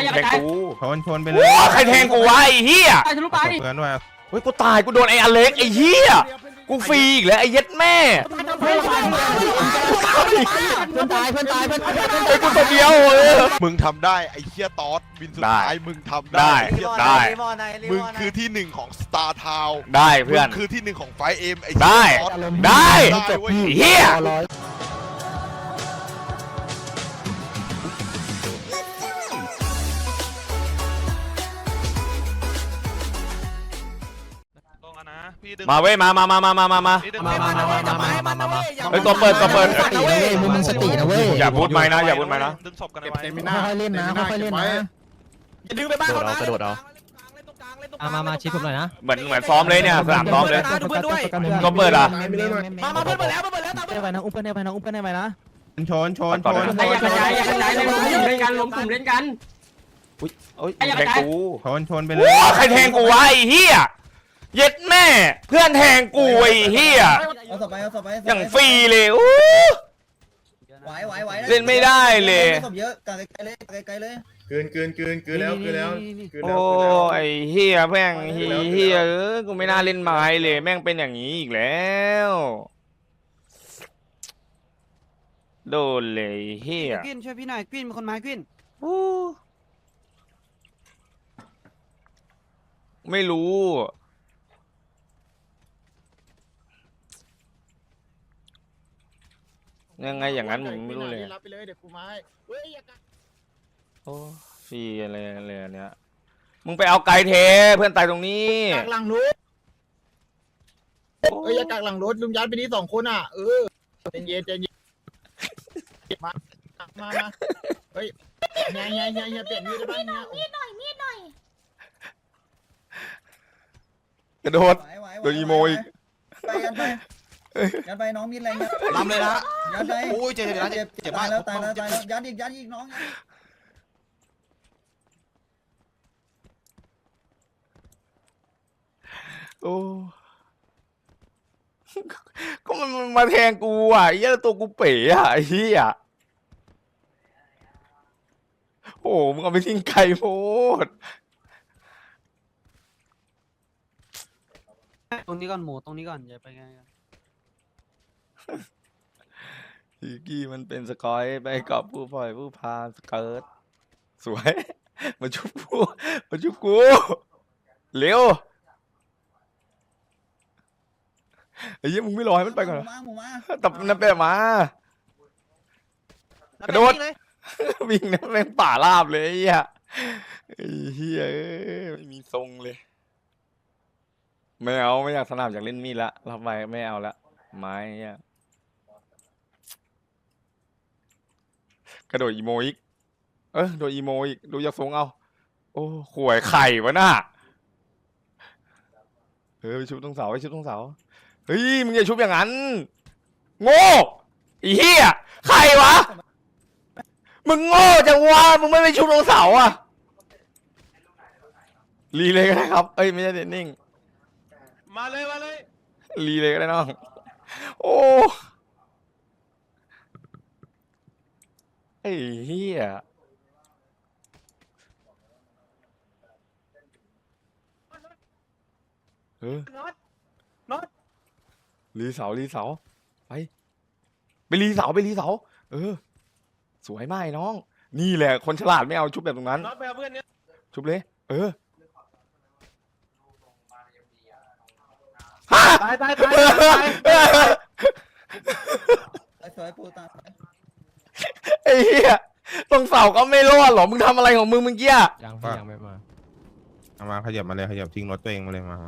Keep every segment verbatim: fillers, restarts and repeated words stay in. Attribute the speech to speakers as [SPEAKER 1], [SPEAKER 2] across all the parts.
[SPEAKER 1] แทงกู
[SPEAKER 2] ชนชนไปเลย
[SPEAKER 1] ใครแทงกูวะไอ้เหี้ย
[SPEAKER 3] ตายทะลุไป
[SPEAKER 2] เพื่อนด้วย
[SPEAKER 1] เฮ้ยกูตายกูโดนไอ้อเล็กไอ้เหี้ยกูฟรีอีกแล้วไอ้เย็ดแม่
[SPEAKER 3] เพื่อนตายเพื่อนตายเพื่อนตาย
[SPEAKER 1] ไอ้กูตัวเดียวเออ
[SPEAKER 4] มึงทำได้ไอ้เหี้ยตอสบินสุดท้ายมึงทำ
[SPEAKER 1] ได้
[SPEAKER 4] ได้ไอ้เหี้ย
[SPEAKER 1] ได้
[SPEAKER 4] มึงคือที่หนึ่งของสตาร์ทาวน์
[SPEAKER 1] ได้เพื่อน
[SPEAKER 4] มึงคือที่หนึ่งของไฟเอ็มไอ้
[SPEAKER 1] ได้
[SPEAKER 4] ตอส
[SPEAKER 1] ได้
[SPEAKER 4] ได้เว้ย
[SPEAKER 1] เหี้ย มาเว้ยมามามามามามามา
[SPEAKER 3] มามามามามามามามา
[SPEAKER 1] เฮ้ยตัวเปิดตัวเปิด
[SPEAKER 3] สตินะเว้ยมึงสตินะเว้ย
[SPEAKER 1] อย่าพูดไม่นะอย่าพูดไม่นะ
[SPEAKER 5] ดึงศพกัน
[SPEAKER 2] เก็บ
[SPEAKER 5] ไว้
[SPEAKER 2] เซมิน่า
[SPEAKER 3] ค่อยๆเล่นนะค่อยๆเล่นนะ
[SPEAKER 5] อย่าดึงไปบ้านเขานะ
[SPEAKER 3] กระโดดเอามามามาชิดผมหน่อยนะ
[SPEAKER 1] เหมือนเหมือนซ้อมเลยเนี่ยสนามซ้อมเลย ตัวเปิดอ่ะ
[SPEAKER 5] มามาเพื่อนเปิดแล้วเพื่อนเปิดแล้วตาม
[SPEAKER 3] ได้ไปนะอุ้มเพื่อนได้ไปนะอุ้มเพื่อนได้ไปนะ
[SPEAKER 2] ชนชนชน
[SPEAKER 3] อย่ากระจายอย่ากระจายเลยล้มกลุ่มเล่นกันล้มกลุ่มเล่นกัน
[SPEAKER 1] อุ้ยโอ้ยแทงกู
[SPEAKER 2] ชนชนไปเลย
[SPEAKER 1] ใครแทงกูวะไอ้เหี้ยเย็ดแม่เพื่อนแทงกูไอ้เหี้ย
[SPEAKER 6] เอาศพไปเอาศพไป
[SPEAKER 1] อย่างฟรีเลยอู้
[SPEAKER 6] ไหวไหวไหว
[SPEAKER 1] เล่นไม่ได้เลย
[SPEAKER 6] ศพเยอะกางไกลเลยกางไกลเลย
[SPEAKER 7] เกินเกินเกินเกินแล้วเกินแล้วเกิน
[SPEAKER 1] โอ้
[SPEAKER 7] แล้ว
[SPEAKER 1] ไอ้เหี้ยแม่งเหี้ยเออกูไม่น่าเล่นไม้เลยแม่งเป็นอย่างนี้อีกแล้วโดนเลยเหี้ย
[SPEAKER 3] กวินช่วยพี่หน่อยกวินมีคนมากวิน
[SPEAKER 1] อู้ไม่รู้ยังไงอย่างนั้นผมไม่รู้เลย
[SPEAKER 7] รับไปเลยเดี๋ยวกูมาให้เฮ้ยอย่ากัด
[SPEAKER 1] โอ้ฟรีอะไรอะไรอันเนี้ยมึงไปเอาไกลเทเพื่อนตายตรงนี้
[SPEAKER 7] กักหลังรถเอ้ยอย่ากักหลังรถลุงยัดไปนี่สองคนอ่ะเออเย็นเย็นเย็นมามามาเฮ้ยเฮียเฮียเฮียเฮียเปลี่ยนมีดได้บ้างเฮีย
[SPEAKER 1] กระโดด
[SPEAKER 6] ไหวไหว
[SPEAKER 1] โดนอีโมอีก
[SPEAKER 6] ไปยันไปยันไปน้องมีแรง
[SPEAKER 5] ลำเลยนะ
[SPEAKER 6] ยันไป
[SPEAKER 5] โอ้ยเจ็บเจ็บนะ
[SPEAKER 6] เจ็บ
[SPEAKER 5] เจ็บ
[SPEAKER 6] ตาม
[SPEAKER 5] าย ก
[SPEAKER 6] แล้วตายแล้วตายแล้วยันอีกยันอีกน้อง
[SPEAKER 1] โอ้ก็มันมาแทงกูอ่ะไอ้เหี้ยตัวกูเป๋อ่ะไอ้เหี้ยโอ้มึงเอาไปทิ้งไกลโพด
[SPEAKER 3] ตรงนี้ก่อนหมูตรงนี้ก่อนอย่าไปไง
[SPEAKER 1] อีกี้มันเป็นสกอยไปกับผู้ปล่อยผู้พาสเกิร์ตสวยมาชุบกูมาชุบกูเร็วไอ้เหี้ยมึงไม่รอให้มันไปก่อนเหรอ
[SPEAKER 6] มาหมูมา
[SPEAKER 1] ตับนั่นไปมากระโดดวิ่งนะแม่งป่าราบเลยไอ้เหี้ยไอ้เหี้ยเอ้ยไม่มีทรงเลยไม่เอาไม่อยากสนามอยากเล่นมีดละรับไปไม่เอาละไม้เหี้ยกระโดดอีโมอีกเออโดดอีโมอีกดูอยากทรงเอาโอ้ข่วยไข่วะน่ะเออไปชุบตรงเสาไปชุบตรงเสาเฮ้ยมึงอย่าชุบอย่างนั้นโง่ไอ้เหี้ยใครวะมึงโง่จังวะมึงไม่ไปชุบตรงเสาอ่ะรีเลยก็ได้ครับเอ้ยไม่ใช่เดนนิ่ง
[SPEAKER 5] มาเลยมาเลย
[SPEAKER 1] รีเลยก็ได้น้องโอ้ไอ้เหี้ยเออ
[SPEAKER 5] น็อตน็อต
[SPEAKER 1] รีเสารีเสาไปไปรีเสาไปรีเสาเออสวยมากน้องนี่แหละคนฉลาดไม่เอาชุบแบบตรงนั้น
[SPEAKER 5] น็อตไปเอาเพื่อนเนี้ย
[SPEAKER 1] ชุบเลยเออ
[SPEAKER 5] ตายตายตาย
[SPEAKER 6] สวยปูตา
[SPEAKER 1] ไอ้เหี้ยตรงเสาก็ไม่รอดหรอมึงทำอะไรของมึงเมื่อกี้
[SPEAKER 3] ยังพี่ยังไม่มา
[SPEAKER 2] เอามาขยับมาเลยขยับทิ้งรถตัวเองมาเลยมา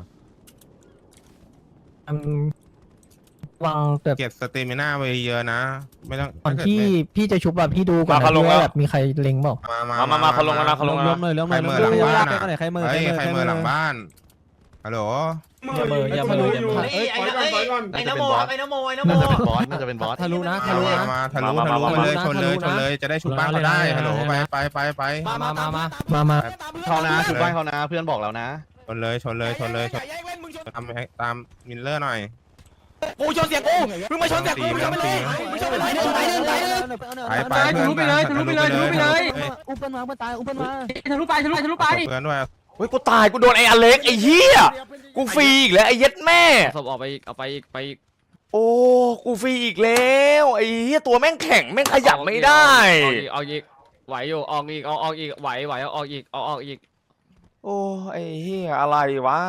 [SPEAKER 3] วางแบบ
[SPEAKER 2] เก็บสเตมิน่าไว้เยอะนะไม่ต้อง
[SPEAKER 3] ก่อนที่พี่จะชุบแบบพี่ดูก่อนนะพี่ว่าแบบมีใครเล็งเปล่า
[SPEAKER 2] มา
[SPEAKER 1] มามามาเขาลงแล้วนะเขาลงแล้ว
[SPEAKER 3] ล้ม
[SPEAKER 1] นะ
[SPEAKER 3] เลยล้ม
[SPEAKER 2] ใค
[SPEAKER 3] เล
[SPEAKER 2] ร
[SPEAKER 3] ย
[SPEAKER 2] เมื่อหลังบ้าน
[SPEAKER 3] ใครเมื่อ
[SPEAKER 2] เฮ้ยใครเมื่อหลังบ้านฮัลโหล
[SPEAKER 3] อย่าเบอร์อย่ามาลุยอย่ามา
[SPEAKER 5] ไอ้ไอ้ไอ้ไอ้นโมครับไอ้นโมไอ้นโม
[SPEAKER 7] น่าจะเป็นบอสน่าจะเป็นบอส
[SPEAKER 3] ทะลุนะทะ
[SPEAKER 2] มา
[SPEAKER 3] ลุนะ
[SPEAKER 2] มาทะลุทะลุมาเลยชนเลยชนเลยจะได้ชุบบ้านเขาได้ฮัลโหลไปไปไปไป
[SPEAKER 3] มามามามามามา
[SPEAKER 7] เขานะชุดบ้านเขานะเพื่อนบอกแล้วนะ
[SPEAKER 2] ชนเลยชนเลยชนเลยชน
[SPEAKER 5] แย่งเล่นมึงชน
[SPEAKER 2] ตามตามมิลเลอร์หน่อย
[SPEAKER 7] กูชนเสียกูมึงมาชนเสียกูมึงชนไปเลยมึงชนไปเลยไปเลยไปเลย
[SPEAKER 2] ไปไปทะลุไปเลยทะลุไปเลยทะลุไปเลย
[SPEAKER 3] อุ้มเปิ้ลมาอุ้มเปิ้ลตายอุ้มเปิ้ลมา
[SPEAKER 5] ทะลุไปทะลุทะลุไป
[SPEAKER 2] เพื่อนด้วย
[SPEAKER 1] เฮ้ยกูตายกูโดนไอ้อเล็กไอ้เหี้ยกูฟรีอีกแล้วไอ้เย็ดแม่
[SPEAKER 8] ศพออกไปอีกเอาไปอีกไปอีก
[SPEAKER 1] โอ้กูฟรีอีกแล้วไอ้เหี้ยตัวแม่งแข็งแม่งขยับไม่ได้
[SPEAKER 8] ออกอีกออกอีกไหวอยู่ออกอีกเอาออกอีกไหวไหวเอาออกอีกเอาออกอีก
[SPEAKER 1] โอ้ไอ้เหี้ยอะไรวะ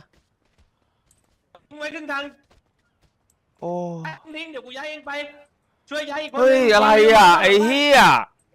[SPEAKER 5] มึงไว้ครึ่งทาง
[SPEAKER 1] โอ้
[SPEAKER 5] ทิ้งเดี๋ยวกูย้ายเองไปช่วยย้ายอีกคน
[SPEAKER 1] เฮ้ยอะไรอ่ะไอ้เหี้ย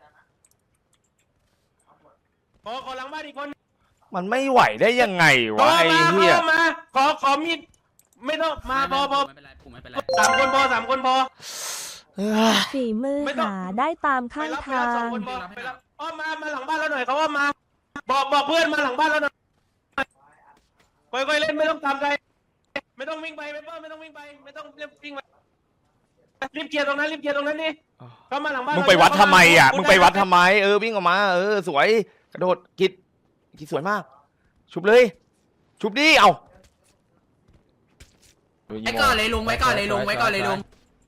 [SPEAKER 5] ขอขอหลังบ้านอีกคน
[SPEAKER 1] มันไม่ไหวได้ยังไงวะไอ้เหี้ย
[SPEAKER 5] มา ขอ ขอมีด ไม่ต้อง มาพอพอ
[SPEAKER 8] ไม่เป็นไรผมไม่เป็นไร
[SPEAKER 5] สามคนพอสามคนพอ
[SPEAKER 1] เอ้ย
[SPEAKER 9] ฝีมือ
[SPEAKER 5] ไม่ต้อง
[SPEAKER 9] หาได้ตาม
[SPEAKER 5] ไป
[SPEAKER 9] ข้าง
[SPEAKER 5] รับไป
[SPEAKER 9] ทา
[SPEAKER 5] รับสอง
[SPEAKER 9] ง
[SPEAKER 5] คนพอไปรับอ้อมมา มาหลังบ้านเราหน่อยเขาว่ามา บอกบอกเพื่อนมาหลังบ้านเราหน่อยค่อยๆเล่นไม่ต้องตามใครไม่ต้องวิ่งไปไม่ต้องไม่ต้องวิ่งไป ไม่ต้องรีบวิ่งไปรีบเคลียร์ตรงนั้นรีบเคลียร์ตรงนั้นนี่เข้ามาหลังบ้าน
[SPEAKER 1] มึงไปวัดทำไมอ่ะมึงไปวัดทำไมเออวิ่งออกมาเออสวยกระโดดกิดกิดสวยมาก ชุบเลย ชุบดิเอา
[SPEAKER 8] ไว้ก่อนเลยลุงไว้ก่อนเลยลุงไว้ก่อนเลยลุง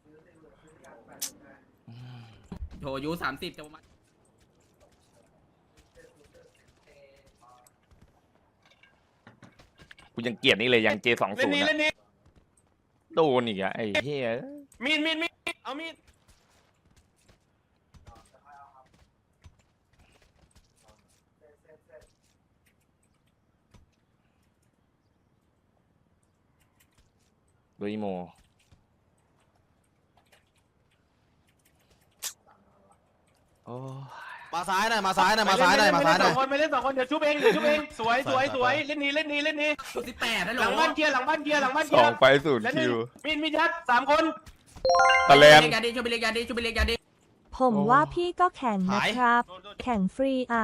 [SPEAKER 8] โถยูสามสิบจะประมาณ
[SPEAKER 1] กูยังเกลียดนี่เลยยังเจสอง
[SPEAKER 5] เล่
[SPEAKER 1] ศู
[SPEAKER 5] น
[SPEAKER 1] น
[SPEAKER 5] นี้
[SPEAKER 1] ย์
[SPEAKER 5] เล่นนี้
[SPEAKER 1] โดนอีกอะไอ้เหี้ย
[SPEAKER 5] มีดมีดมีดเอามีด
[SPEAKER 1] โดยอีโมโอ้
[SPEAKER 4] มาซ้ายหน่อยมาซ้ายหน่อยมาซ้ายหน่อยมาซ้ายหน่อย
[SPEAKER 5] สองคนไปเล่นสองคนเดี๋ยวชุบเองเดี๋ยวชุบเองสวยสวยสวยเล่นนี้เล่นนี้เล่นนี้
[SPEAKER 8] สิบแปดได้
[SPEAKER 5] ห
[SPEAKER 8] หร
[SPEAKER 5] ลั
[SPEAKER 8] อง
[SPEAKER 5] บ้านเกียร์หลังบ้านเกียร์หลังบ้าน
[SPEAKER 1] ส
[SPEAKER 5] เกี
[SPEAKER 1] อย ง
[SPEAKER 5] ร์
[SPEAKER 1] ไฟศูนย์
[SPEAKER 5] และ
[SPEAKER 1] คิว
[SPEAKER 5] มีดมียัดสามคน
[SPEAKER 1] ตะแลน
[SPEAKER 8] ยาดีช่วยไปเรียกยาดีช่วยไปเรียกยาดี
[SPEAKER 9] ผมว่าพี่ก็แข่งนะครับ แข่งฟรีอ่ะ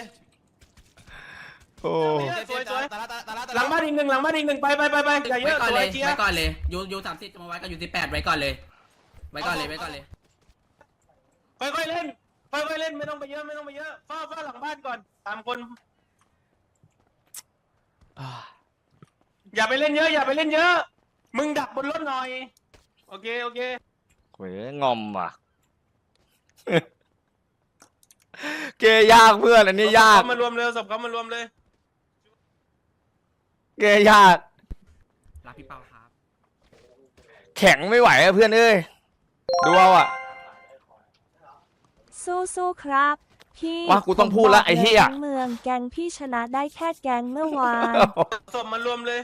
[SPEAKER 1] โอ้
[SPEAKER 5] สวยสวยหลังบ้านอีกหนึ่งหลังบ้านอีกหนึ่งไปไปไปไปอย่าเย
[SPEAKER 8] ไว้
[SPEAKER 5] อะ
[SPEAKER 8] ก่อน
[SPEAKER 5] ส
[SPEAKER 8] เล
[SPEAKER 5] วย
[SPEAKER 8] ย
[SPEAKER 5] เชีย
[SPEAKER 8] ไว้
[SPEAKER 5] ร์
[SPEAKER 8] ก่อนเลยยูยูสามสิบจะมาไว้กับยูสิบแปดไว้ก่อนเลยไว้ก่อนเลยไว้ก่อนเลย
[SPEAKER 5] ค่อยๆเล่นค่อยๆเล่นไม่ต้องไปเยอะไม่ต้องไปเยอะเฝ้าเฝ้าหลังบ้านก่อนสามคน อย่าไปเล่นเยอะอย่าไปเล่นเยอะ มึงดักบนรถหน่อยโอเคโอเค
[SPEAKER 1] โหยงอมว่ะ เกยากเพื่อนอันนี้ยาก
[SPEAKER 5] ศพเขมารวมเลยศพเขามารวมเลย
[SPEAKER 1] เกยาก
[SPEAKER 8] รับพี่เปาครับ
[SPEAKER 1] แข็งไม่ไหวอะเพื่อนเอ้ยดูเอาอะ
[SPEAKER 9] สู้ๆครับ พี่
[SPEAKER 1] ว่ากูต้องพูดละไอ้เหี้ย
[SPEAKER 9] ผมบกลทั้งเมืองแกงพี่ชนะได้แค่แกงเมื่อวาน
[SPEAKER 5] ศพมารวมเลย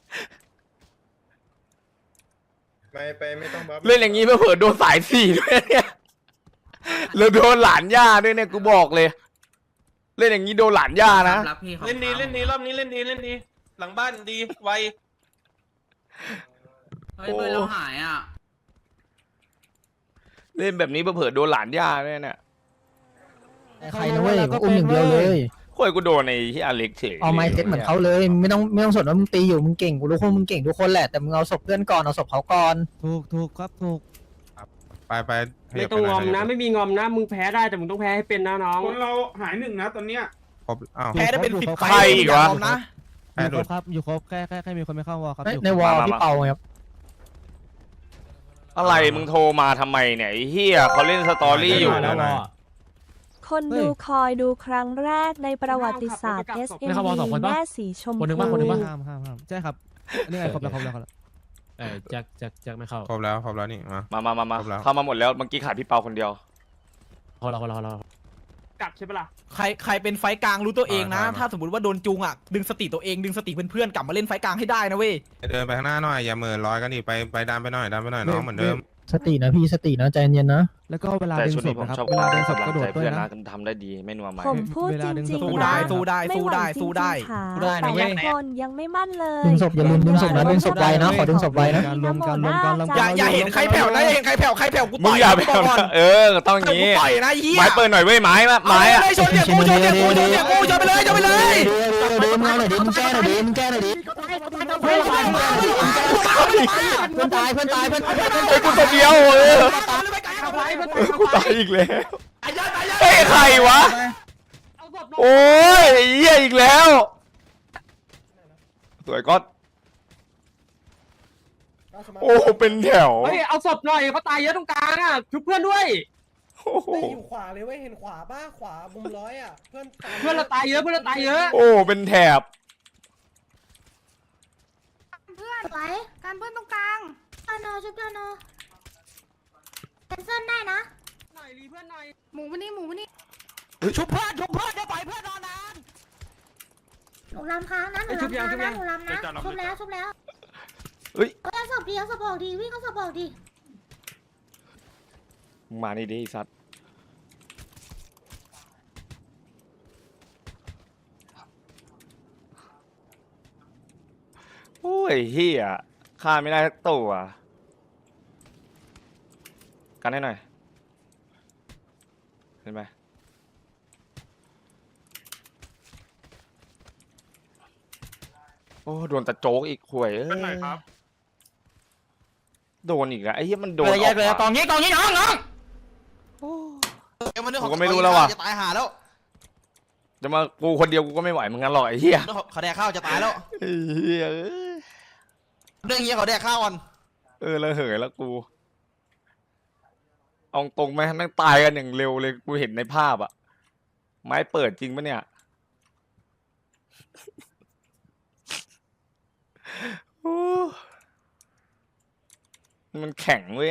[SPEAKER 2] ไปไปไม่ต้องบัฟ
[SPEAKER 1] เล่นอย่างนี้เผื่อโดนสายสี่ด้วยเนี่ยแล้วโดนหลานย่าด้วยเนี่ยกูบอกเลย เล่นอย่างนี้โดนหลานย่านะ
[SPEAKER 8] รับพี่
[SPEAKER 5] เล่นดีเล่นดีรอบนี้เล่นดีเล่นดี หลังบ้านดีไว
[SPEAKER 8] เฮ้ยเบอร์เราหายอ่ะ
[SPEAKER 1] เล่นแบบนี้เผื่อโดนหลานย่าด้วยเนี่ย
[SPEAKER 3] ใครนะเว้ยอุ้มอย่างเดียวเลย
[SPEAKER 1] โอ้ยกูโดนไอ้ที่อเล็กเฉย
[SPEAKER 3] เอาไม้เซ็ตเหมือนเขาเลยไม่ต้องไม่ต้องสนว่ามึงตีอยู่มึงเก่งกูรู้ว่ามึงเก่งทุกคนแหละแต่มึงเอาศพเพื่อนก่อนเอาศพเขาก่อน
[SPEAKER 10] ถูกถูกครับถูก
[SPEAKER 2] ไปไป
[SPEAKER 5] ไม่ต้องงอมนะไม่มีงอมนะมึงแพ้ได้แต่มึงต้องแพ้ให้เป็นนะน้อง
[SPEAKER 10] คนเราหายหนึ่งนะตอนเนี้ย
[SPEAKER 2] ครบอ้าว
[SPEAKER 7] แพ้ได้เป็นสิบไฟ
[SPEAKER 1] ใครอีกวะ
[SPEAKER 7] นะ
[SPEAKER 2] แพ้
[SPEAKER 10] อยู่
[SPEAKER 2] หลุ
[SPEAKER 10] คร
[SPEAKER 2] ด
[SPEAKER 10] บครับอยู่ครบแค่แค่แค่มีคนไม่เข้าวอลครับ
[SPEAKER 3] ใน
[SPEAKER 10] อยู่
[SPEAKER 3] ในวอล
[SPEAKER 1] มามา
[SPEAKER 3] พี่เปาครับ
[SPEAKER 1] อะไรมึงโทรมาทำไมเนี่ยไอ้เฮียเขาเล่นสตอรี่อยู่
[SPEAKER 10] แล้ววอล
[SPEAKER 9] คนดูคอยดูครั้งแรกในประวัติศาสตร์ เอส เอ็ม
[SPEAKER 10] ไม่เข้าวอลสองคนปะ
[SPEAKER 9] แม่สีชม
[SPEAKER 10] คนหนึ่ง
[SPEAKER 9] พู
[SPEAKER 10] ว่าคนหนึ่งว่าห้ามห้ามห้ามใช่ครับนี่ไงครบแล้วครบแล้วครบแล้ว
[SPEAKER 11] เออแจ็คแจ็คแจ็คไม่เข้า
[SPEAKER 2] ครบแล้วครบแล้วนี่มา
[SPEAKER 1] มามามามา
[SPEAKER 2] ครบแล้ว
[SPEAKER 1] เข้ามาหมดแล้วเมื่อกี้ขาดพี่เปาคนเดียว
[SPEAKER 11] เขาเราเขาเราเรา
[SPEAKER 5] กลับใช่ปะล่ะ
[SPEAKER 7] ใครใครเป็นไฟกลางรู้ตัวเองนะ
[SPEAKER 2] มามา
[SPEAKER 7] ถ้าสมมติว่าโดนจูงอ่ะดึงสติตัวเองดึงสติเพื่อนๆกลับมาเล่นไฟกลางให้ได้นะเว้ย
[SPEAKER 2] เดินไปข้างหน้าหน่อยอย่าเหมือนลอยกันดิไปไปดันไปหน่อยดันไปหน่อยน้องเหมือนเดิม
[SPEAKER 3] สตินะพี่สตินะใจเย็นๆนะ
[SPEAKER 10] แล้วก็เวลา
[SPEAKER 1] แต่
[SPEAKER 10] ดึง
[SPEAKER 1] ชุด
[SPEAKER 10] ศ
[SPEAKER 1] นี้
[SPEAKER 10] พ
[SPEAKER 1] ผม
[SPEAKER 10] นะครับ
[SPEAKER 1] ชอบ
[SPEAKER 10] เวลาดึงศพ
[SPEAKER 1] กำ
[SPEAKER 10] ก็
[SPEAKER 1] ลัง
[SPEAKER 10] โด
[SPEAKER 1] ใจ
[SPEAKER 10] ดด้ว
[SPEAKER 1] เพื่
[SPEAKER 10] ย
[SPEAKER 1] อน
[SPEAKER 10] นะ
[SPEAKER 1] นะทำได้ดีไม่นัวไหม
[SPEAKER 9] ผมพูด
[SPEAKER 10] เว
[SPEAKER 9] จ
[SPEAKER 10] ลาดึง
[SPEAKER 9] ริง
[SPEAKER 10] ศพ
[SPEAKER 9] ๆ
[SPEAKER 7] สู้
[SPEAKER 9] นะ
[SPEAKER 7] ได้สู้ได้
[SPEAKER 9] ไม่
[SPEAKER 7] สู้
[SPEAKER 9] หวัง
[SPEAKER 7] ได้
[SPEAKER 9] จริงๆ
[SPEAKER 7] สู้ได้
[SPEAKER 9] ค่ะ
[SPEAKER 7] สู้ได้นะ
[SPEAKER 9] แต่
[SPEAKER 7] เว้ย
[SPEAKER 9] ละคนยังไม่มั่นเลย
[SPEAKER 3] ดึงศพอย่าลืมดึงศพนะดึงศพไว้นะขอดึงศพไว้นะ
[SPEAKER 10] การรวมการรวมการรวม
[SPEAKER 7] อย่าอย่าเห็นใครแผ่วนะอย่าเห็นใครแผ่วใครแผ่วกู
[SPEAKER 1] มึ
[SPEAKER 7] ต่
[SPEAKER 1] ง
[SPEAKER 7] อย
[SPEAKER 1] อย่าไป
[SPEAKER 7] กูก่อน
[SPEAKER 1] เออต้องอย่าง
[SPEAKER 7] กู
[SPEAKER 1] นี้
[SPEAKER 7] ต่อยนะเหี้ย
[SPEAKER 1] ไม้เปิดหน่อยเว้ยไม้อะไม้อะ
[SPEAKER 7] เอาเลยชนเสียกูชนเสียกูชนเสียกูชนไปเลยชนไปเลย
[SPEAKER 3] เดี๋ยวมึงหน่อยดิมึงแก้หน่อยดิมึงแก้หน่อยดิเพื่อนตายเพื่อนตายเพื่อนตายเพื่อนตาย
[SPEAKER 1] ไอ้กูตัวเดียวเออเออกูตายอีกแล้วเฮ้ยใครวะโอ้ยไอ้เหี้ยอีกแล้วสวยก๊อตโอ้เป็นแถว
[SPEAKER 8] เฮ้ยเอาศพหน่อยเขาตายเยอะตรงกลางอ่ะชุบเพื่อนด้วย
[SPEAKER 1] โอ้โห
[SPEAKER 5] อยู่ขวาเลยเว้ยเห็นขวาป่ะขวามุมร้อยอ่ะเพื่อน
[SPEAKER 8] เพื่อนเราตายเยอะเพื่อนเราตายเยอะ
[SPEAKER 1] โอ้เป็นแถบ
[SPEAKER 9] เพื่อนไหวการเพื่อนตรงกลางเพื่อนเนอชุบเพื่อนเนอเป็นเส้นได้นะ
[SPEAKER 8] หน่อยรีเพื่อนหน่อย
[SPEAKER 9] หมูวันนี้หมูวันนี้
[SPEAKER 3] ชุบเพื่อนชุบเพื่อนจะปล่อยเพื่อนนอนนาน
[SPEAKER 9] หนูลำค้างนะหนูลำค้างนะหนูลำนะชุบแล้วชุบแล้ว
[SPEAKER 1] เฮ้ย
[SPEAKER 9] เอาศพดีเอาศพออกดีวิ่งเอาศพออกดี
[SPEAKER 1] มึงมานี่ดิไอ้สัตว์โอ้ยเฮียฆ่าไม่ได้สักตัวกันให้หน่อยเห็นไหมโอ้โดนตะโจกอีกห่วยเอ้ยโดนอีกแล้วไอ้เหี้ยมันโดน
[SPEAKER 3] เลย
[SPEAKER 1] อ
[SPEAKER 3] แย
[SPEAKER 1] อก ก
[SPEAKER 3] เลย
[SPEAKER 1] มาก
[SPEAKER 3] องนี้กองนี้น้องน้อง
[SPEAKER 4] เอ้ยมันเรื่องข
[SPEAKER 1] กู
[SPEAKER 4] อง
[SPEAKER 1] ก็ไม่รู้แล้วว่ะ
[SPEAKER 4] จะตายหาแล้ว
[SPEAKER 1] จะมากูคนเดียวกูก็ไม่ไหวเหมือนกันหรอกไอ้เหี้ย
[SPEAKER 4] เรื่องของเขาแดกข้าวจะตายแล้ว
[SPEAKER 1] ไอ้เหี้ยเอ้ย
[SPEAKER 4] เรื่องเงี้ยเขาแดกข้าวก่อน
[SPEAKER 1] เออแล้วเหยแล้วกูเอาตรงไหมนั่งตายกันอย่างเร็วเลยกูเห็นในภาพอะไม้เปิดจริงปะเนี่ยโอ้มันแข็งเว้ย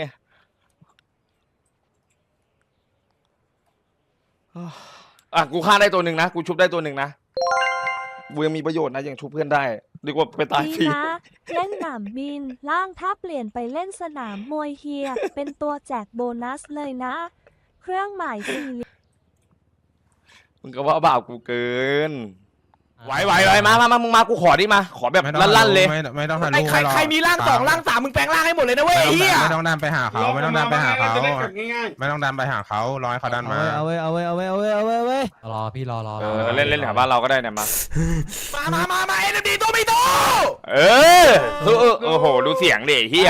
[SPEAKER 1] อ่ะกูฆ่าได้ตัวหนึ่งนะกูชุบได้ตัวหนึ่งนะกูยังมีประโยชน์นะยังชุบเพื่อนได้ดีกว่าไปตาย
[SPEAKER 9] ดี
[SPEAKER 1] ฟรี
[SPEAKER 9] นะเล่นหนามบินล่างถ้าเปลี่ยนไปเล่นสนามมวยเฮียเป็นตัวแจกโบนัสเลยนะ เครื่องหมายสี่เหลี่ยม
[SPEAKER 1] มึงก็ว่าบาปกูเกินไหวไหวไหวมามามามึงมากูขอดิมา ขอแบบ
[SPEAKER 2] ไม่ต้อง
[SPEAKER 1] ลั่นๆเลย
[SPEAKER 2] ไม่ไม่ต้องทะ
[SPEAKER 3] ไอ้
[SPEAKER 2] ลุ
[SPEAKER 3] ใคร
[SPEAKER 2] ไม่หอก
[SPEAKER 3] ใครมีร่างสองร่างสามมึงแปลงร่างให้หมดเลยนะเว้ยไอ้เหี้ย
[SPEAKER 2] ไม่ต้องดันไปหาเขาไม่ต้องดันไปหาเขา
[SPEAKER 5] ง่าย
[SPEAKER 2] ไม่ต้องดันไปหาเขารอให้เขาดันมา
[SPEAKER 10] เอาไว้เอาไว้เอาไว้เอาไว้เอาไว้เอาไว้
[SPEAKER 11] รอพี่รอรอ
[SPEAKER 1] เออเล่นเล่นแถวบ้านเราก็ได้เนี่ยมา
[SPEAKER 3] มามามามาเอ็นดีตัวไม่โต
[SPEAKER 1] เออเออเออโอ้โหดูเสียงดิเฮีย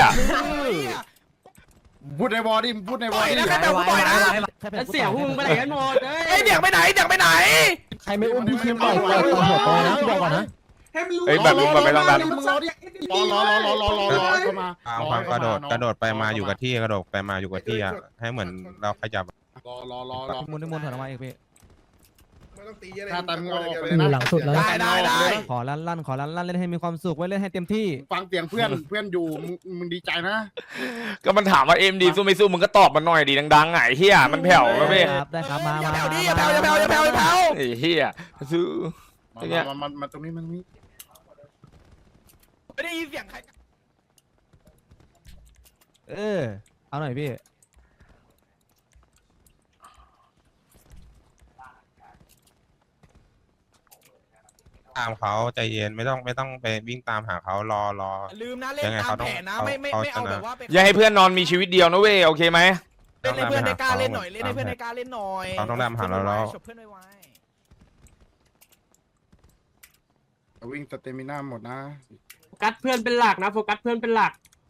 [SPEAKER 7] พูดในวอร์ดิพูดในว
[SPEAKER 3] ป
[SPEAKER 7] อ
[SPEAKER 3] ล่อ
[SPEAKER 7] ร์
[SPEAKER 3] ย
[SPEAKER 7] ดิ
[SPEAKER 3] นะใครแบบกูปล่อยนะ
[SPEAKER 8] แล้วเสียงพวกมึงไปไหนกันหมดเอ้ย
[SPEAKER 3] ไอ้เด็กไปไหนเด็กไปไหน
[SPEAKER 10] ใครไม่อุ้มพี่คิมปล่อยปล่อยปล่อยหัวปล่อยนะพี่บอกก่อนนะ
[SPEAKER 1] เฮ้ยแบบลุงแบบไม่ต้องดัน
[SPEAKER 7] มึงรอดิรอรอรอรอรอรอเข้ามา
[SPEAKER 2] เอาความกระโดดกระโดดไปมาอยู่กับที่กระโดดไปมาอยู่กับที่อ่ะให้เหมือนเราขยับ
[SPEAKER 7] รอรอรอรอ
[SPEAKER 10] มุนมุนถอยออกมาอีกพี่
[SPEAKER 7] ถ้าตันงอ
[SPEAKER 10] อยู่หลังสุดแล้ว
[SPEAKER 3] ได้ได้ได้
[SPEAKER 10] ขอลั่นลั่นขอลั่นลั่นเล่นให้มีความสุขไว้เล่นให้เต็มที่
[SPEAKER 7] ฟังเสียงเพื่อนเพื่อนอยู่มึงมึงดีใจนะ
[SPEAKER 1] ก็มันถามว่าเอ็มดีสู้ไม่สู้มึงก็ตอบมันหน่อยดีดังๆไงเฮียมันแผ่วแล้วเว้ย
[SPEAKER 10] ครับได้ครับมา
[SPEAKER 3] อย่า
[SPEAKER 10] มา
[SPEAKER 3] แผ่วดิอย่าแผ่วอย่าแผ่วอย่าแผ่วอย่าแผ่ว
[SPEAKER 1] ไอ้เฮียสู้
[SPEAKER 7] มา
[SPEAKER 1] ไอ้เนี่ย
[SPEAKER 7] มามามาตรงนี้มันนี้
[SPEAKER 3] ไม่ได้ยินเสียงใคร
[SPEAKER 10] เออเอาหน่อยพี่
[SPEAKER 2] ตามเขาใจเย็นไม่ต้องไม่ต้องไปวิ่งตามหาเขารอรอ
[SPEAKER 3] ลืมนะเล่นตามแผนนะไม่ไม่ไม่เอาแบบว่าไป
[SPEAKER 1] อย่าให้เพื่อนนอนมีชีวิตเดียวนะเว้ยโอเคไหม
[SPEAKER 3] เล่นให้เพื่อนได้กล้าเล่นหน่อยเล่นให้เพื่อนได้กล้าเล่นหน่อย
[SPEAKER 2] เขาต้องดันหาเราแล้ว
[SPEAKER 3] ฉกเพื่อนไว้
[SPEAKER 7] วิ่งสเตมิน่าหมดนะ
[SPEAKER 8] โฟกัสเพื่อนเป็นหลักนะโฟกัสเพื่อนเป็นหลัก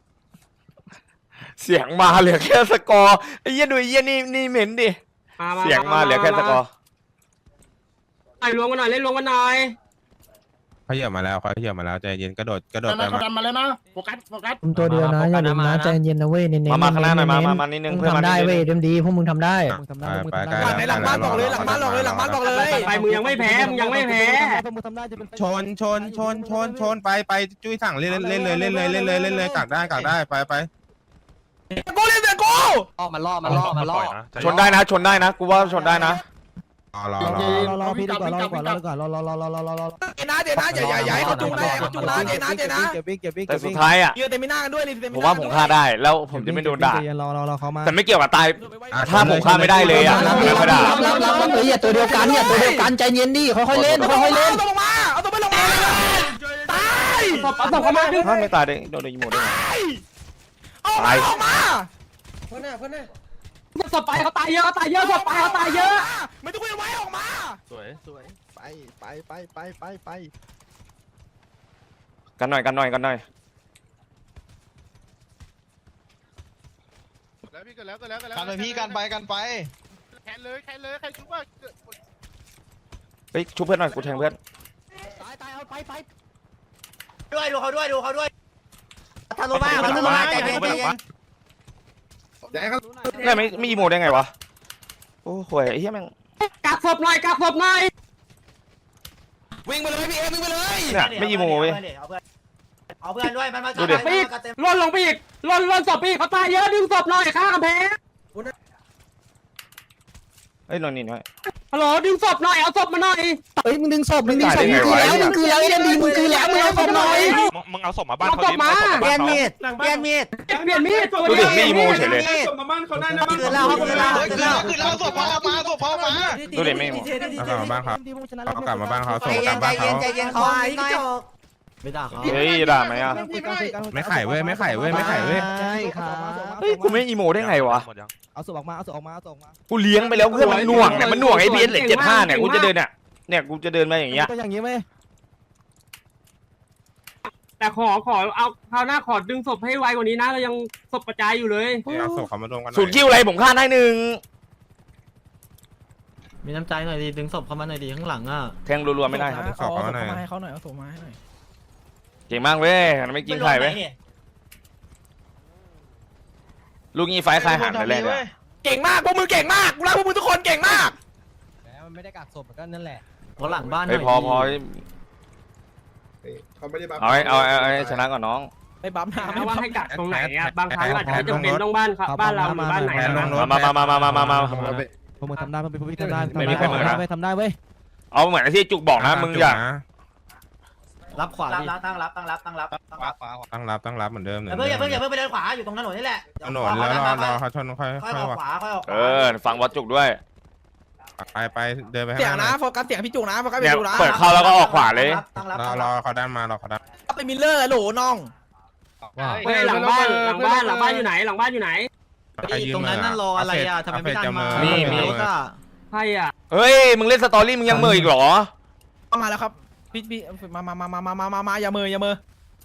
[SPEAKER 1] เสียงมาเหลือแค่สกอร์ไอ้เหี้ยดูไอ้เหี้ยนี่นี่เหม็นดิ
[SPEAKER 8] มามา
[SPEAKER 1] เสียงมาเหลือแค่สกอร์
[SPEAKER 8] ไอ้รวมกันหน่อยเล่นรวมกันหน่อย
[SPEAKER 2] เขาเหยียบมาแล้วเขาเหยียบมาแล้วใจเย็นกระโดดกระโดด
[SPEAKER 7] ดัน
[SPEAKER 2] ไป
[SPEAKER 7] นะเขา
[SPEAKER 2] มา
[SPEAKER 7] ดันมาแล้วนะโฟกัสโฟกัส
[SPEAKER 10] ตัวเดียวนะอย่าลืมนะใจเย็นนะเว้ยเน้น
[SPEAKER 1] มามาข้างหน้าหน่อยมามามานิดนึงเพื่อนมานิดนึง
[SPEAKER 10] เต็มดีพวกมึงทำได้มึงทำได้มึง
[SPEAKER 2] ไป
[SPEAKER 10] ทำ
[SPEAKER 2] ไป
[SPEAKER 10] ได้
[SPEAKER 3] หลังบ้านบอกเลยหลังบ้านบอกเลยหลังบ้านบอกเลย
[SPEAKER 8] ไปมึงยังไม่แพ้มึงยังไม่แพ้
[SPEAKER 10] พวกมึงทำได้จะเป็น
[SPEAKER 2] ชนชนชนชนชนไปไปจุ้ยสั่งเล่นเล่นเลยเล่นเลยเล่นเลยเล่นเลยกักได้กักได้ไปไป
[SPEAKER 3] กูเล่นเสียงกู
[SPEAKER 11] ล่อมันล่อมันล่อมันล่อ
[SPEAKER 1] ชนได้นะชนได้นะกูว่าชนได้นะ
[SPEAKER 2] รอรอ
[SPEAKER 10] ร
[SPEAKER 2] ร
[SPEAKER 10] อ
[SPEAKER 2] อ
[SPEAKER 10] รอรอพี่ดีกว่ารอก่อนรอก่อนรอรอรอรอรอรอรอ
[SPEAKER 3] เจนะเจนะอย่าอย่าอย่าให้เขาจุงนะเขาจุงนะเจนะเจนะ
[SPEAKER 10] เก็บวิ่งเก็บวิ่ง
[SPEAKER 1] แต่สุดท้ายอ่ะ
[SPEAKER 3] เยอะเต็มหน้ากันด้วยเลยเต็ม
[SPEAKER 1] ผมว่าผมฆ่าได้แล้วผมจะไม่โดนด่า
[SPEAKER 10] รอรอรอเขามา
[SPEAKER 1] แต่ไม่เกี่ยวกับตาย ถ้าผมฆ่าไม่ได้เลยอะ
[SPEAKER 3] รับ
[SPEAKER 1] ไม่ได้
[SPEAKER 3] รับรับรับรับ เฮ้ยอย่าตัวเดียวกันอย่าตัวเดียวกันใจเย็นดิค่อยๆเล่นค่อยๆเล่นเอาตัวลงมาเอาตัวไปลงมาตาย
[SPEAKER 8] เอาส่งเข้ามาดิ
[SPEAKER 1] ถ้าไม่ตายได้โดนโดนยิงหมดได้ไง
[SPEAKER 3] เอามาออกมา
[SPEAKER 5] เพื่อนหน้าเพื่อนหน้า
[SPEAKER 8] ศพไปเขาตายเยอะเขาตายเยอะศพไปเขาตายเยอะ
[SPEAKER 3] ไม่ต้องคุยไว้ออกมา
[SPEAKER 11] สวยสวยไปไปไปไปไปไป
[SPEAKER 1] กันหน่อยกันหน่อยกันหน่อย
[SPEAKER 7] แล้วพี่กันแล้วกันแล้วกันแล้ว
[SPEAKER 4] กันไปพี่กันไปกันไป
[SPEAKER 7] แคนเลยแคนเลยใครชุบว่า
[SPEAKER 1] เฮ้ยชุบเพื่อนหน่อยกูแทงเพื่อน
[SPEAKER 3] ตายตายเอาไปไป
[SPEAKER 4] ด้วยดูเขาด้วยดูเขาด้วย
[SPEAKER 3] ทะลุมาทะลุมาใจเย็นใจเย็น
[SPEAKER 1] นี่ไม่ไม่อีโมได้ไงวะโอ้โหไอ้เหี้ยแม่ง
[SPEAKER 5] กักศพหน่อยกักศพหน่อย
[SPEAKER 4] วิ่งไปเลยพี่เอ็มวิ่งไปเลย
[SPEAKER 1] เนี่ยไม่อีโมเว้ย
[SPEAKER 3] เอาเพื่อนด้วยมันมา
[SPEAKER 1] ดูดิ
[SPEAKER 5] ล่นลงไปอีกล่นล่นศพอีกเขาตายเยอะดึงศพหน่อยข้างกำแพง
[SPEAKER 1] เอ้ยนอนนี่หน่อย
[SPEAKER 5] ฮัลโหลดึงศพหน่อยเอาศพมาหน่อย
[SPEAKER 3] เฮ้ยมึงดึงศพมึงดึงศพมึงคือแล้วมึงคือแล้วไอ้เดนดีมึงคือแล้วมึงเอาศพหน่อย
[SPEAKER 2] มึงเอาศพมาบ้าน
[SPEAKER 5] เอา
[SPEAKER 2] เขา
[SPEAKER 5] ศ
[SPEAKER 2] ดิ
[SPEAKER 5] พมา
[SPEAKER 3] เปลี่ยนมีดเปลี่ยนมีด
[SPEAKER 5] เปลี่ยนมีด
[SPEAKER 1] ดูดิไม่อีโมเฉยเลย
[SPEAKER 3] คือเราครับคือเรา
[SPEAKER 4] เฮ้ย
[SPEAKER 3] คือ
[SPEAKER 4] คือ
[SPEAKER 3] เรา
[SPEAKER 4] เราคือเราศพพ่อมาศพพ่อมา
[SPEAKER 1] ดูดิไม่อีโม
[SPEAKER 2] เอากลับมาบ้านเขาเอากลับมาบ้านเขา
[SPEAKER 3] ใจ
[SPEAKER 2] ส่ง
[SPEAKER 3] เย็
[SPEAKER 2] กลั
[SPEAKER 3] น
[SPEAKER 2] บ
[SPEAKER 3] ใจ
[SPEAKER 2] บ้าน
[SPEAKER 3] เย็
[SPEAKER 2] เขา
[SPEAKER 3] นใจเย็นเขาหน่อย
[SPEAKER 11] ไม่ด่าเขา
[SPEAKER 1] เฮ้ยด่าไหมอ่ะ
[SPEAKER 2] ไม่ไข่เว้ยไม่ไข่เว้ยไม่ไข่เว้ย
[SPEAKER 11] ใช่ครับ
[SPEAKER 1] เฮ้ยกูไม่อีโมได้ไงวะ
[SPEAKER 11] เอาศพออกมาเอาศพออกมาเอาศพออกมา
[SPEAKER 1] กูเลี้ยงไปแล้วเพื่อนมันหน่วงเนี่ยมันหน่วงไอ้พีเอสเหล็กเจ็ดห้าเนี่ยกูจะเดินเนี่ยเนี่ยกูจะเดินมาอย่างเงี้ย
[SPEAKER 11] ก็อย่างงี้ไหม
[SPEAKER 5] แต่ขอขอเอาคราวหน้าขอดึงศพให้ไวกว่านี้นะเรายังศพกระจายอยู่เลย
[SPEAKER 2] เอาศพเขามารวมกัน
[SPEAKER 1] สูตรคิวอะไรผมฆ่าได้หนึ่ง
[SPEAKER 11] มีน้ำใจหน่อยดิดึงศพเข้ามาหน่อยดิข้างหลังอ่ะ
[SPEAKER 1] แทงรัวๆไม่ได้ครับ
[SPEAKER 2] ศพเขาหน่อย
[SPEAKER 11] ให้เขาหน่อยเอาศพมาให้หน่อย
[SPEAKER 1] เก่งมากเว้ยไม่กินไข่เว้ยลูกงี้ไฟคลายหันแต่แรกเลย
[SPEAKER 3] เก่งมากพวกมึงเก่งมากกูรักพวกมึงทุกคนเก่งมาก
[SPEAKER 11] แล้วมันไม่ได้กักศพก็นั่นแหละเพราะหลังบ้านหน่
[SPEAKER 1] เฮ้
[SPEAKER 11] อย ย
[SPEAKER 1] พอพอ
[SPEAKER 7] เขาไม่ได้บัฟ
[SPEAKER 1] เอาให้เอาเอาให้ชนะก่อนน้อง
[SPEAKER 11] ไม่บั๊มหน้า
[SPEAKER 5] ไม่ว่าให้กักตรงไหนอ่ะบางครั้งอาจจะจำเป็นต้องบ้านครับบ้านเราหรือบ้านไหน
[SPEAKER 2] แทนลงรถ
[SPEAKER 1] มามามามามามามา
[SPEAKER 11] พวกมึงทำได้พวกมึงทำได้
[SPEAKER 1] ไม่มีใครเหมือนนะ
[SPEAKER 11] ทำได้ทำได้เว้ย
[SPEAKER 1] เอาเหมือนที่จุกบอกนะมึงอย่า
[SPEAKER 11] รับขวาดิ
[SPEAKER 3] ตั้งรับตั้งรับตั้งรับตั้งรับ
[SPEAKER 2] ตั้งรับตั้งรับเหมือนเดิม
[SPEAKER 3] อย่าเพิ่งอย่าเพิ่งอย่าเพิ่งไปเดินขวาอยู่ตรงถนนนี่แหละ
[SPEAKER 2] ถนนแล้วรอรอเขาชนค่อย
[SPEAKER 3] ค่อย
[SPEAKER 2] ค่
[SPEAKER 3] อ
[SPEAKER 2] อย
[SPEAKER 3] อก
[SPEAKER 2] ว่า
[SPEAKER 3] ขวาค่อยออกขวา
[SPEAKER 1] เออฟังวัดจุกด้วย
[SPEAKER 2] ไปไปเดินไป
[SPEAKER 3] เสียง
[SPEAKER 2] ข้างห
[SPEAKER 3] นะ
[SPEAKER 2] น้า
[SPEAKER 3] โฟกัสเสียงพี่จุกนะโฟกัส
[SPEAKER 1] เนี่
[SPEAKER 3] พี่
[SPEAKER 1] ย
[SPEAKER 3] จุกนะ
[SPEAKER 1] เปิดเข้าแล้วก็ออกขวาเลย
[SPEAKER 3] ตั้งรับ
[SPEAKER 2] รอ
[SPEAKER 3] ตั้ง
[SPEAKER 2] ร
[SPEAKER 3] รั
[SPEAKER 2] อบ เขาด้านมาเราเขาด้าน
[SPEAKER 3] ไปมิลเลอร์โหลน้อง
[SPEAKER 11] ว่า
[SPEAKER 5] เฮ้ยหลังบ้านหลังบ้านหลังบ้านอยู่ไหนหลังบ้านอยู่ไหน
[SPEAKER 11] ตรงนั้นนั่นรออะไรอ่ะทำไมไม่ดันมา
[SPEAKER 1] มีมี
[SPEAKER 11] รถอ่ะ
[SPEAKER 5] ใครอ่ะ
[SPEAKER 1] เฮ้ยมึงเล่นสตอรี่มึงยังเมยอีกเหรอ
[SPEAKER 3] มาแล้วครับพี่พี่มามามามามามามาอย่ามืออย่ามือ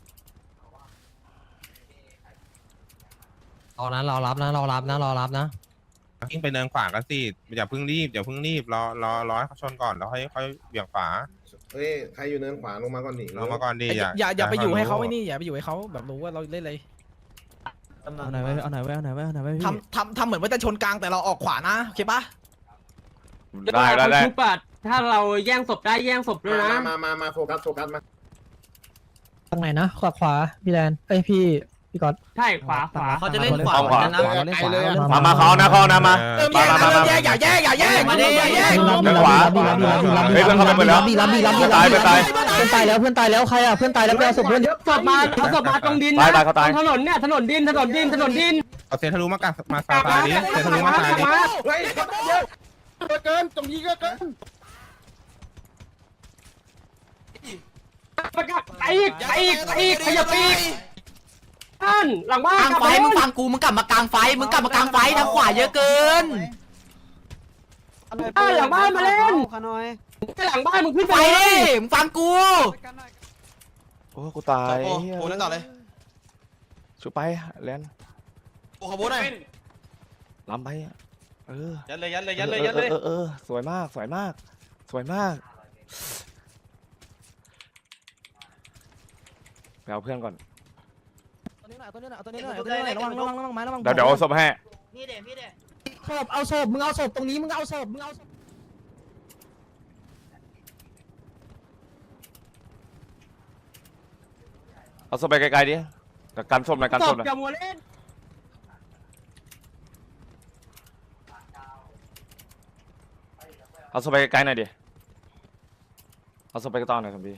[SPEAKER 11] รอนะรอรับนะรอรับนะรอรับนะ
[SPEAKER 2] ยิ่งไปเดินขวากันสิอย่าเพิ่งรีบอย่าเพิ่งรีบรอรอรอให้เขาชนก่อนแล้วค่อยค่อยเบี่ยงขวา
[SPEAKER 7] เฮ้ยใครอยู่เนินขวาลงมาก่อนดิ
[SPEAKER 2] ลงมาก่อนดีอย่า
[SPEAKER 3] อย่าอย่าไปอยู่ให้เขาไอ้นี่อย่าไปอยู่ให้เขาแบบรู้ว่าเราเล่นอะไร
[SPEAKER 11] เอาไหนไว้เอาไหนไว้เอาไหนไว้เอาไหนไว้พี่
[SPEAKER 3] ทำทำทำเหมือนว่าจะชนกลางแต่เราออกขวานะโอเคปะ
[SPEAKER 1] ได้ได้ได้
[SPEAKER 5] ชุบอะถ้าเราแย่งศพได้แย่งศพด้วยนะ
[SPEAKER 7] มามามามาโฟกัสโฟกัสมา
[SPEAKER 10] ตรงไหนนะขวาขวาพี่แลนเอ้ยพี่พี่ก๊อต
[SPEAKER 5] ใช่ขวาขวา
[SPEAKER 11] เขาจะเล่นขวา
[SPEAKER 1] เอาขวา
[SPEAKER 11] นะ
[SPEAKER 10] เราเล่นขวาเราเล่นขวา
[SPEAKER 1] มามาเขานะเขานะมา
[SPEAKER 3] เริ่มแย่งนะเริ่มแย่งอย่าแย่งอย่าแย่งอย่าแย่งอย่าแย่ง
[SPEAKER 10] รับดีรับดีรับดีรับดีรับดี
[SPEAKER 1] เฮ้ยเพื่อนเข้าไปหมดแล้ว
[SPEAKER 10] รับดีรับดีรับดี
[SPEAKER 1] ตายไปตาย
[SPEAKER 10] เพื่อนตายแล้วเพื่อนตายแล้วใครอ่ะเพื่อนตายแล้วไปเอาศพเพื่อน
[SPEAKER 5] ศพมาเอาศพมาตรงดิน
[SPEAKER 1] ตาย
[SPEAKER 5] นะ
[SPEAKER 1] ตายเขาตาย
[SPEAKER 5] ถนนเนี่ยถนนดินถนนดินถนนดิน
[SPEAKER 2] เอาเซทะลุมากักมาซาตาดิเซทะลุมาตาดิ
[SPEAKER 7] เฮ้ยเยอะเกินตรงนี้ก็เกิน
[SPEAKER 5] ประกาศไปอีกไปอีกไปอีกขยับไปอีกบ้านหลังบ้าน
[SPEAKER 3] กลางไฟมึงฟังกูมึงกลับมากลางไฟมึงกลับมากลางไฟทางขวาเยอะเกิน
[SPEAKER 5] บ้านหลังบ้านมาเล่นหลังบ้านมึงขึ้น
[SPEAKER 3] ไป
[SPEAKER 5] ไป
[SPEAKER 3] ดิมึงฟังกู
[SPEAKER 1] โอ้กูตาย
[SPEAKER 4] โอ้โหนั่นต่อเลย
[SPEAKER 1] ชุบไปแลน
[SPEAKER 4] โอ้ขบวนหน่อย
[SPEAKER 1] ล้ำไปเออ
[SPEAKER 5] ยัดเลยยัดเลยยัดเลยยัดเลย
[SPEAKER 1] เออเออสวยมากสวยมาก สวยมากไปเอาเพื่อนก่อน
[SPEAKER 11] ตัวนี้หน่อยตัวนี้หน่อยตัวนี้หน่อยตัวนี้หน่อยระวังระวังระวังไม้ระวัง
[SPEAKER 1] เดี๋ยวเดี๋ยวเอาศพให้
[SPEAKER 3] นี่เด็พี่เด็
[SPEAKER 10] ศพเอาศพมึงเอาศพตรงนี้มึงเอาศพมึงเอาศพ
[SPEAKER 1] เอาศพไปไกลๆดิแต่กันศพหน่อยกัน
[SPEAKER 5] ศ
[SPEAKER 1] ศ
[SPEAKER 5] พ
[SPEAKER 1] พหน่อย
[SPEAKER 5] อย่ามัวเล่น
[SPEAKER 1] เอาศพไปไกลๆหน่อยดิเอาศพไปกระต้อนหน่อยสมบี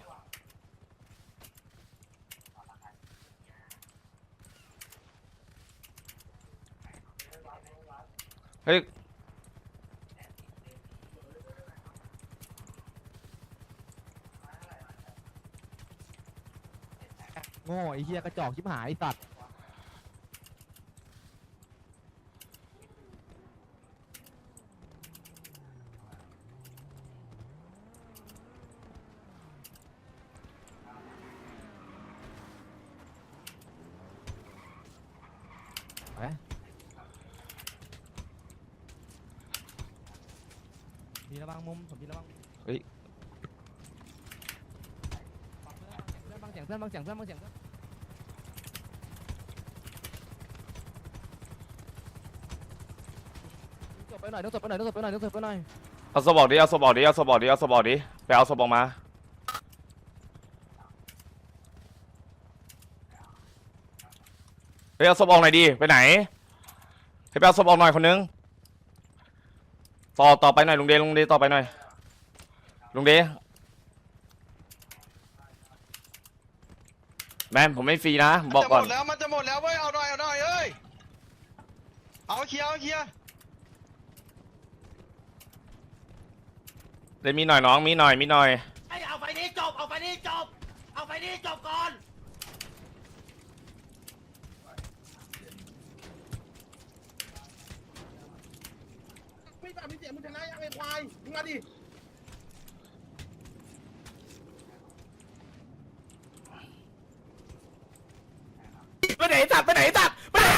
[SPEAKER 1] เฮ้ย
[SPEAKER 11] โง่ไอ้เหี้ยกระจอกชิบหายไอ้สัตว์ พี่ระวังมุมผมพี่ระวัง
[SPEAKER 1] เฮ้ย
[SPEAKER 11] บางเสียงเพื่อนบางเสียงเพื่อนบางเสียงเพื่อนไปหน่อยต้องศพไปหน่อยต้องศพไปหน่อยต้องศพไปหน่อย
[SPEAKER 1] เอาสบอกดิเอาสบอกดิเอาสบอกดิเอาสบอกดิไปเอาสบอกมาไปเอาสบอกหน่อยดิไปไหนไปเอาสบอกหน่อยคนนึงต่อต่อไปหน่อยลุงเดลุงเดต่อไปหน่อยลุงเดแมนผมไม่ฟรีนะบอกก่อน
[SPEAKER 4] จะหมดแล้วมันจะหมดแล้วเว้ยเอาหน่อยเอาหน่อยเอ้ยเอาเคลียร์เอาเคลียร์
[SPEAKER 1] เลยมีหน่อยน้องมีหน่อยมีหน่อย
[SPEAKER 5] เอาไปนี้จบเอาไปนี้จบเอาไปนี้จบก่อน
[SPEAKER 7] ไม่แบบมีเสียงมึงชนะยังไงควายมึงมาดิ
[SPEAKER 5] ไปไหนตัดไปไหนตัดไปไหน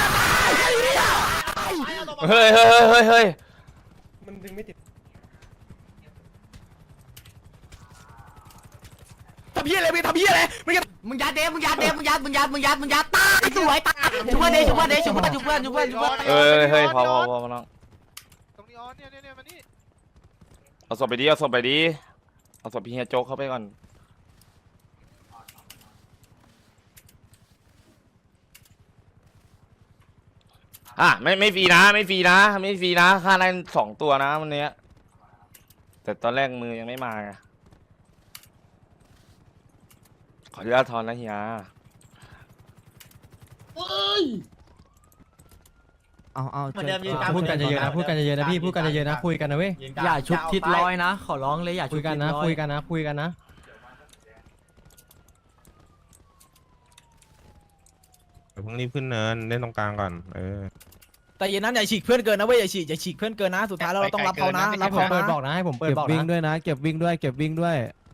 [SPEAKER 1] เฮ้ยเฮ้ยเฮ้ยเฮ้ย
[SPEAKER 5] มันดึงไม่ติดทำเหี้ยอะไรมึงทำเหี้ยอะไรมึงจะ
[SPEAKER 3] มึงยัดเดมึงยัดเดมึงยัดมึงยัดมึงยัดมึงยัดตายสวยตายชุบเพื่อนเดชุบเพื่อนเดชุบเพื่อนชุบเพื่อนชุบเพื่อนชุบเพื่อน
[SPEAKER 1] เอ้ยเฮ้ยพอพอพอน้อง
[SPEAKER 4] ตรงนี้ออนเนี่ยเนี่ยเนี่ยมานี่
[SPEAKER 1] เอาศพไปดิเอาศพไปดิเอาศพพี่เฮียโจ๊กเข้าไปก่อนอ่ะไม่ไม่ฟรีนะไม่ฟรีนะไม่ฟรีนะค่าได้สองตัวนะวันเนี้ยแต่ตอนแรกมือยังไม่มาไงขออนุญาตทอนนะเฮีย
[SPEAKER 10] เอาเอา
[SPEAKER 3] เหมือนเดิมยืนกลาง
[SPEAKER 10] พูดกันเยอะๆนะพูดกันเยอะๆนะพี่พูดกันเยอะๆนะคุยกันนะเว้ย
[SPEAKER 3] อย่าชุบทิศร้อยนะขอร้องเลยอย่า
[SPEAKER 10] คุ
[SPEAKER 3] ชุ
[SPEAKER 10] ย
[SPEAKER 3] บ
[SPEAKER 10] กัน
[SPEAKER 3] ทิศ
[SPEAKER 10] นะ
[SPEAKER 3] ร้อย
[SPEAKER 10] คุยกันนะคุยกันนะ
[SPEAKER 2] เดี๋ยวเพิ่งรีบขึ้นเนินเล่นตรงกลางก่อนเออ
[SPEAKER 11] แต่อย่านั้นอย่าฉีกเพื่อนเกินนะเว้ยอย่าฉีกอย่าฉีกเพื่อนเกินนะสุดท้ายเราต้องรับเขานะรับ
[SPEAKER 10] ผม
[SPEAKER 11] เขา
[SPEAKER 10] เปิดบ
[SPEAKER 11] นะ
[SPEAKER 10] อกนะให้ผมเปิด
[SPEAKER 11] เก็บ
[SPEAKER 10] บอก
[SPEAKER 11] วิ่งด้วย
[SPEAKER 10] นะเก็บวิ่งด้วยเก็บวิ่งด้วย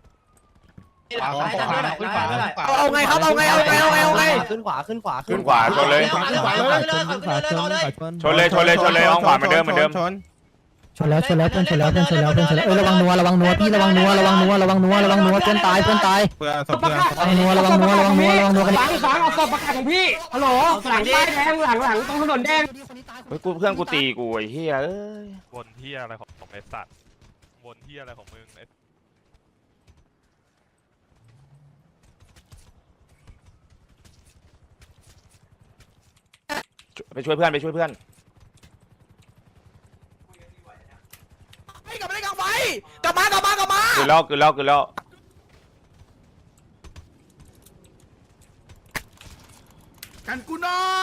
[SPEAKER 11] เอาไงครับเอาไงเอาไงเอาไงเอาไง
[SPEAKER 10] ขึ้นขวาขึ้นขวา
[SPEAKER 1] ขึ้นขวาชนเลย
[SPEAKER 10] ขึ้นขวาขึ้นขวาขึ้นขวาชน
[SPEAKER 1] ชนเลยชนเลยชนเลยเอาขวาเหมือนเดิมเหมือนเดิม
[SPEAKER 2] ชน
[SPEAKER 10] ชนแล้วชนแล้วเพื่อนชนแล้วเพื่อนชนแล้วเพื่อนชนแล้วเอ้ยระวังนัวระวังนัวพี่ระวังนัวระวังนัวระวังนัวระวังนัวเพื่อนตายเพื่อนตาย
[SPEAKER 2] เพื่อศพเพื่อน
[SPEAKER 10] ระวังนัวระวังนัวระวังนัวระวังนัวกัน
[SPEAKER 5] ฟังฟังเอาศพประกาศของพี่ฮัลโหลหลังป้ายแดงหลังหลังตรงถนนแดง
[SPEAKER 1] เฮ้ยกูเพื่อนกูตีกูไอ้เหี้ยเอ้ย
[SPEAKER 12] วนเที่ยอะไรของของไอ้สัตว์วนเที่ยอะไรของมึงไอ้
[SPEAKER 1] ไปช่วยเพื่อนไปช่วยเพื่อน
[SPEAKER 11] ให้กลับมาได้กลับไปกลับมากลับมากลับมา
[SPEAKER 1] คือแล้วคือแล้วคือแล้ว
[SPEAKER 7] กันกูหน่อย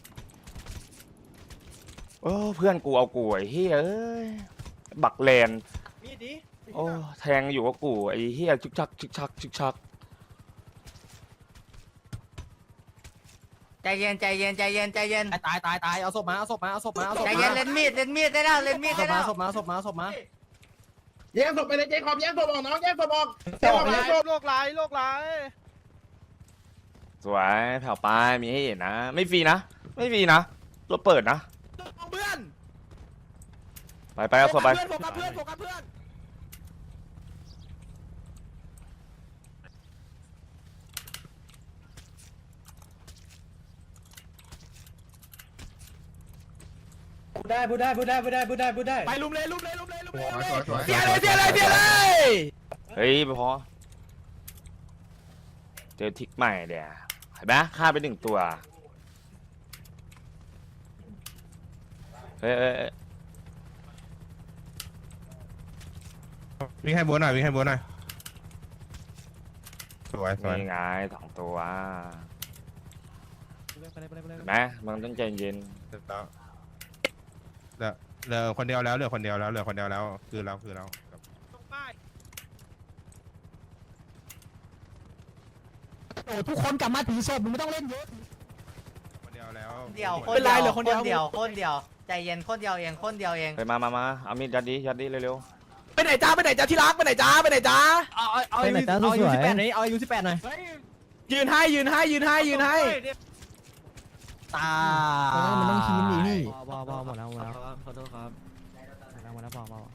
[SPEAKER 1] โอ้เพื่อนกูเอากูไอ้เหี้ยเอ้ยบักแลน
[SPEAKER 11] มีดดิ
[SPEAKER 1] โอ้แทงอยู่กับกูไอ้เหี้ยชึกชักชึกชักชึกชัก
[SPEAKER 3] ใจเย็นใจเย็นใจเย็นใจเย็น
[SPEAKER 11] ตายตายตายเอาศพมาเอาศพมาเอาศพมาเอาศพ
[SPEAKER 3] ใจ
[SPEAKER 11] มา
[SPEAKER 3] เย็นเล่นมีดเล่นมีดได้แล้วเล่นมีด
[SPEAKER 11] ศ
[SPEAKER 3] ได้
[SPEAKER 11] พ
[SPEAKER 3] แล้
[SPEAKER 11] มาว ศพมาศพมาศพมา
[SPEAKER 7] แย่งศพไปเลยเจ๊ขอบแย่งศพออกน้องแย่งศพออกแย่งศพแย่งศพ
[SPEAKER 4] โลกร้ายโลกร้าย
[SPEAKER 1] สวยแผ่วปลายมีให้เห็นนะ ไม่ฟรีนะ ไม่ฟรีนะรถเปิดนะ
[SPEAKER 11] เอาเพื่อน
[SPEAKER 1] ไปไปเอาศพไป
[SPEAKER 11] เพื่อนโฟกัสเพื่อนโฟกัสเพื่อน
[SPEAKER 5] ได้พูดได้พูดได้พูดได้พูดได้พูดได้
[SPEAKER 11] ไปลุมเลยลุมเลยลุมเลยลุมเลย
[SPEAKER 7] สวยสวย
[SPEAKER 11] เสียเลยเสียเลยเสียเลย
[SPEAKER 1] เฮ้ยพอเจอทิกใหม่เดี๋ยวเห็นไหมฆ่าไปหนึ่งตัวเฮ้ยเอ้ยเอ้ย
[SPEAKER 2] วิ่งให้บัวหน่อยวิ่งให้บัวหน่อยสวยสวย
[SPEAKER 1] นี่ไงสองตัวเห็นไหมมันต้องใจเย็น
[SPEAKER 2] เสร็จแล้วเหลือเหลือคนเดียวแล้วเหลือคนเดียวแล้วเหลือคนเดียวแล้วคือเราคือเรา
[SPEAKER 3] โอ้ทุกคนกลับมาถือศพมึงไม่ต้องเล่นเยอะ
[SPEAKER 2] คนเดียวแล้ว
[SPEAKER 3] เดียวคนเดียวคนเดียวคนเดียวใจเย็นคนเดียวเองคนเดียวเอง
[SPEAKER 1] ไปมามามาเอามีดยัดดิยัดดิเร็ว
[SPEAKER 11] ไปไหนจ้าไปไหนจ้าที่รักไปไหนจ้าไปไหนจ้าเอาเอาเอา
[SPEAKER 10] ไปไหนจ้า
[SPEAKER 11] เอาอา
[SPEAKER 10] ส
[SPEAKER 11] ยุ
[SPEAKER 10] วย
[SPEAKER 11] สิบแปดหน่อยเอาอายุสิบแปดหน่อยยืนให้ยืนให้ยืนให้ยืนให้ตา
[SPEAKER 10] มันต้องชี้นี่พี่
[SPEAKER 11] บอบอหมดแล้วหมดแล้ว
[SPEAKER 10] ขอโทษครับหมดแล้วพอพอ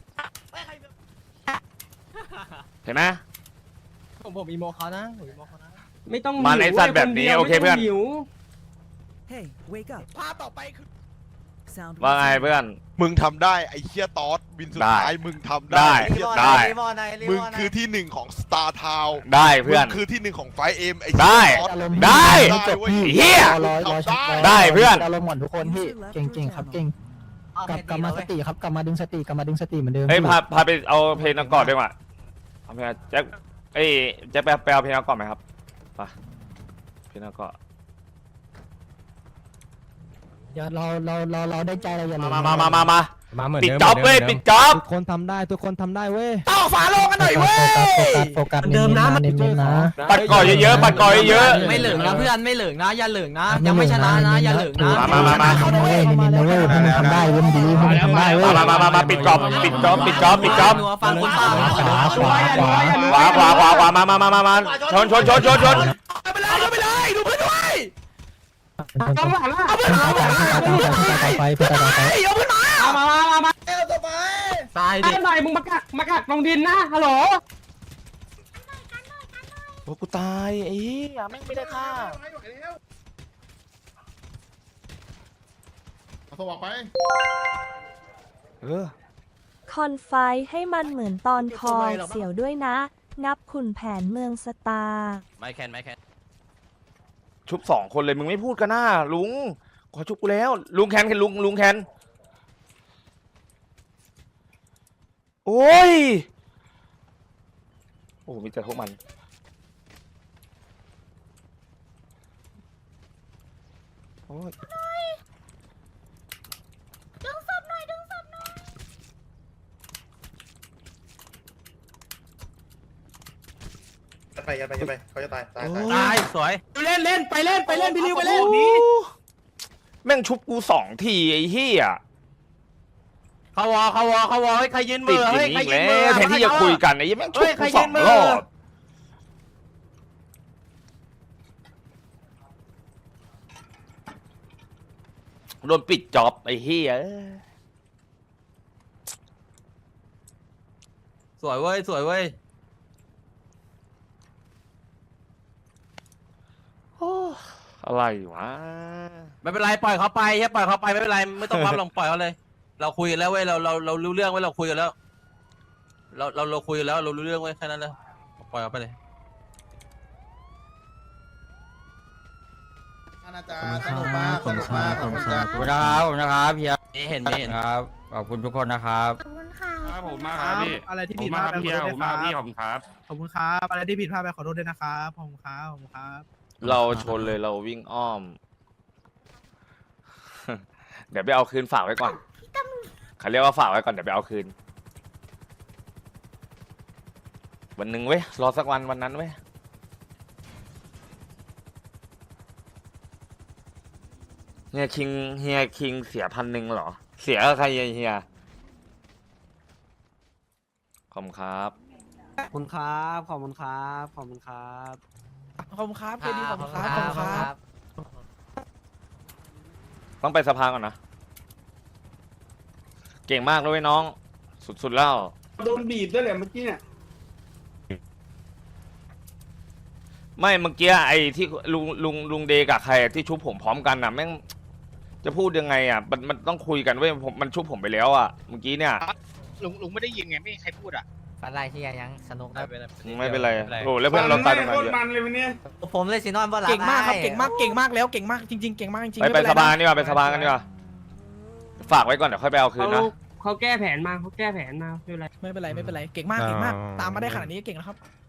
[SPEAKER 1] ๆเห็นไหม
[SPEAKER 10] ผมผมอีโมเขานะผมอีโมเขานะ
[SPEAKER 5] ไม่ต้อง
[SPEAKER 1] มาในสัตว์แบบนี้โอเคเพื่อน
[SPEAKER 5] หิว
[SPEAKER 11] ภาพต่อไปคือ
[SPEAKER 1] ว่าไงเพื่อน
[SPEAKER 13] มึงทำได้ไอ้เคียตอสวินสุด
[SPEAKER 1] ได้
[SPEAKER 13] ท้ายมึงทำ
[SPEAKER 1] ได้
[SPEAKER 13] ไอ้เหี้ย
[SPEAKER 1] ได้
[SPEAKER 13] มึงคือที่หนึ่งของสตาร์ทาว
[SPEAKER 1] ได้เพื่อน
[SPEAKER 13] มึงคือที่หนึ่งของไฟเอ็มไอ้
[SPEAKER 1] ได้
[SPEAKER 13] เหี้ยตอส
[SPEAKER 1] ได้
[SPEAKER 13] ได้เว้ย
[SPEAKER 1] เหี้ย
[SPEAKER 10] รอรอ
[SPEAKER 13] ทำได้
[SPEAKER 1] ได้เพื่อน
[SPEAKER 10] อารมณ์หมดทุกคนพี่เก่งเก่งครับเก่งกลับกลับมาสติครับกลับมาดึงสติกลับมาดึงสติเหมือนเดิม
[SPEAKER 1] เฮ้ยพาพาไปเอาเพลงนักกอดด้วยว่ะเอาเพลงแจ็คเอ้ยแจ็คไปไปเอาเพลงนักกอดไหมครับไปเพลงนักกอด
[SPEAKER 10] อย่าเราเราเราเราได้ใจเราอย่าลืม
[SPEAKER 1] มามามามามา
[SPEAKER 11] มาเหมือน
[SPEAKER 1] ปิด
[SPEAKER 11] เดิม
[SPEAKER 1] จ็อบเว้ยปิดจ็อบ
[SPEAKER 11] ทุกคนทำได้ทุกคนทำได้เว้ย
[SPEAKER 2] ต่อฝาโลงกันหน่อยเว้ย
[SPEAKER 10] โฟกัสโฟกัสโฟกัสเน้นๆนะเน้นๆนะ
[SPEAKER 1] ปัดก่อเยอะๆปัดก่อเยอะ
[SPEAKER 3] ไม่เหลืองนะเพื่อนไม่เหลืองนะอย่าเหลืองนะยังไม่ชนะนะอย่าเหลืองนะ
[SPEAKER 1] มามามา
[SPEAKER 10] เน้นๆนะเว้ยเน้นๆนะเว้ยพวกมึงทำได้เว้ยมึงดีพวกมึงทำได้เว้ย
[SPEAKER 1] มามามามาปิดจ็อบปิดจ็อบปิดจ็อบปิดจ็อบ
[SPEAKER 3] นัวฟังคนฟัง
[SPEAKER 10] ขวาขวาขวา
[SPEAKER 1] ขวาขวาขวาขวามามามามามาชนชนชนชนชน
[SPEAKER 2] ไปเลยไปเลยดูเพื่อนด้วย
[SPEAKER 10] ต้องหลังละเพื่อนตายตายตายไปเพื่อนตายตาย
[SPEAKER 2] เอาเพื่อนมา
[SPEAKER 11] มามามามา
[SPEAKER 6] เอวต่อไป
[SPEAKER 3] ตายดิ
[SPEAKER 11] หน่อยมึงมากักมากักลงดินนะฮัลโหล
[SPEAKER 1] โอ้กูตายไอ้เหี้ยแม่งไม่ได้ฆ่า
[SPEAKER 7] เอาสว่างไป
[SPEAKER 1] เออ
[SPEAKER 9] คอนไฟให้มันเหมือนตอนคอเสี่ยวด้วยนะ งับขุนแผนเมืองสตาร์
[SPEAKER 3] ไม่แคนไม่แคน
[SPEAKER 1] ชุบสองคนเลยมึงไม่พูดกันหน้าลุงขอชุบกูแล้วลุงแคนแคนลุงลุงแคนโอ้ยโอ้มีแต่พวกมันโอ้ย
[SPEAKER 7] ไปยันไปยันไปเขาจะตายตายตาย
[SPEAKER 3] ตายสวย
[SPEAKER 2] เล่นเล่นไปเล่นไปเล่นพี่ริวไปเล่น
[SPEAKER 1] แม่งชุบกูสองทีไอ้เหี้ย
[SPEAKER 3] เขาวอเขาวอเขาวอให้ใครยืนมื
[SPEAKER 1] ติด
[SPEAKER 3] อ
[SPEAKER 1] อย่าง
[SPEAKER 3] เฮ้ย
[SPEAKER 1] นี้
[SPEAKER 3] ใคร
[SPEAKER 1] อีก
[SPEAKER 3] ยืน
[SPEAKER 1] แล้
[SPEAKER 3] มือ
[SPEAKER 1] วแทนที่จะคุยกันไอ้เหี้ยแม่งชุบ
[SPEAKER 3] เฮ้ยใคร
[SPEAKER 1] กูส
[SPEAKER 3] ยื
[SPEAKER 1] อง
[SPEAKER 3] นมือ
[SPEAKER 1] รอบโดนปิดจ็อบไอ้เหี้ย
[SPEAKER 3] สวยเว้ยสวยเว้ย
[SPEAKER 1] โอ้อะไรวะ
[SPEAKER 3] ไม่เป็นไรปล่อยเขาไปแค่ปล่อยเขาไปไม่เป็นไรไม่ต้องปั๊มลงปล่อยเขาเลย เราคุยกันแล้วเว้ยเราเราเรารู้เรื่องไว้เราคุยกันแล้ว เราเราเราคุยกันแล้วเรารู้เรื่องไว้แค่นั้นเลยปล่อยเขาไปเลย
[SPEAKER 7] อาจารย์สนุกมากสนุกมากขอบคุณครับ
[SPEAKER 8] ขอบคุณนะครับขอบคุณนะครับพี่
[SPEAKER 3] นี่เห็นไม่เห็น
[SPEAKER 8] ครับขอบคุณทุกคนนะครับ
[SPEAKER 12] ครับผมมากครับพี่
[SPEAKER 11] อะไรที่
[SPEAKER 12] ผ
[SPEAKER 11] ผิ
[SPEAKER 12] ม
[SPEAKER 11] ด
[SPEAKER 12] มา
[SPEAKER 11] พ
[SPEAKER 12] ค
[SPEAKER 11] ลา
[SPEAKER 12] รั
[SPEAKER 11] ด
[SPEAKER 12] บ
[SPEAKER 11] ไป
[SPEAKER 12] พี่
[SPEAKER 11] ขอโทษ
[SPEAKER 12] ผม
[SPEAKER 11] ด้วย
[SPEAKER 12] มา
[SPEAKER 11] ค
[SPEAKER 12] พี่
[SPEAKER 11] รับ
[SPEAKER 12] ขอบคุณครับ
[SPEAKER 11] ขอบคุณครับอะไรที่ผิดพลาดไปขอโทษด้วยนะครับขอบคุณครับขอบคุณครับ
[SPEAKER 1] เราชนเลยเราวิ่งอ้อม เดี๋ยวไปเอาคืนฝากไว้ก่อนเขาเรียกว่าฝากไว้ก่อนเดี๋ยวไปเอาคืน วันหนึ่งเว้ยรอสักวันวันนั้นเว้ยเฮียคิงเฮียคิงเสียพันหนึ่งเหรอ เสียกับใครเฮียขอบคุณครับ
[SPEAKER 11] ขอบคุณครับขอบคุณครับขอบคุณครับขอบคุณครับเคดีขอบคุณครับขอบคุณครับ
[SPEAKER 1] ต้องไปสภาก่อนนะ เก่งมากเลยน้อง สุดๆแล้ว
[SPEAKER 11] โดนบีบด้วยแหละเมื่อกี้เนี่ย
[SPEAKER 1] ไม่เมื่อกี้ไอ้ที่ลุงลุงลุงเดกับใครที่ชุบผมพร้อมกันน่ะแม่งจะพูดยังไงอ่ะมันมันต้องคุยกันเว้ยผมมันชุบผมไปแล้วอ่ะเมื่อกี้เนี่ย
[SPEAKER 5] ลุงลุงไม่ได้ยินไงไม่มีใครพูดอ่ะ
[SPEAKER 3] อะไรที่ยังสนุกนะ
[SPEAKER 1] ไม่เป็นไรโอ้แล้วเพื่อนเราตายตรงนั้นเยอะ
[SPEAKER 3] ผมเลยสินอนบนหลัง
[SPEAKER 11] เก่งมากครับเก่งมากเก่งมากแล้วเก่งมากจริงๆเก่งมากจริงๆ
[SPEAKER 1] ไปไป
[SPEAKER 11] ม่เน
[SPEAKER 1] ส
[SPEAKER 11] ร
[SPEAKER 1] ภา
[SPEAKER 11] นะ
[SPEAKER 1] นี่ว่าไปสภากันดีกว่าฝากไว้ก่อนเดี๋ยวค่อยไปเอาคืนนะ
[SPEAKER 11] เขาแก้แผนมาเขาแก้แผนมาไม่เป็นไรไม่เป็นไรไม่เป็นไรเก่งมากเก่งมากตามมาได้ขนาดนี้เก่งแล้วครับ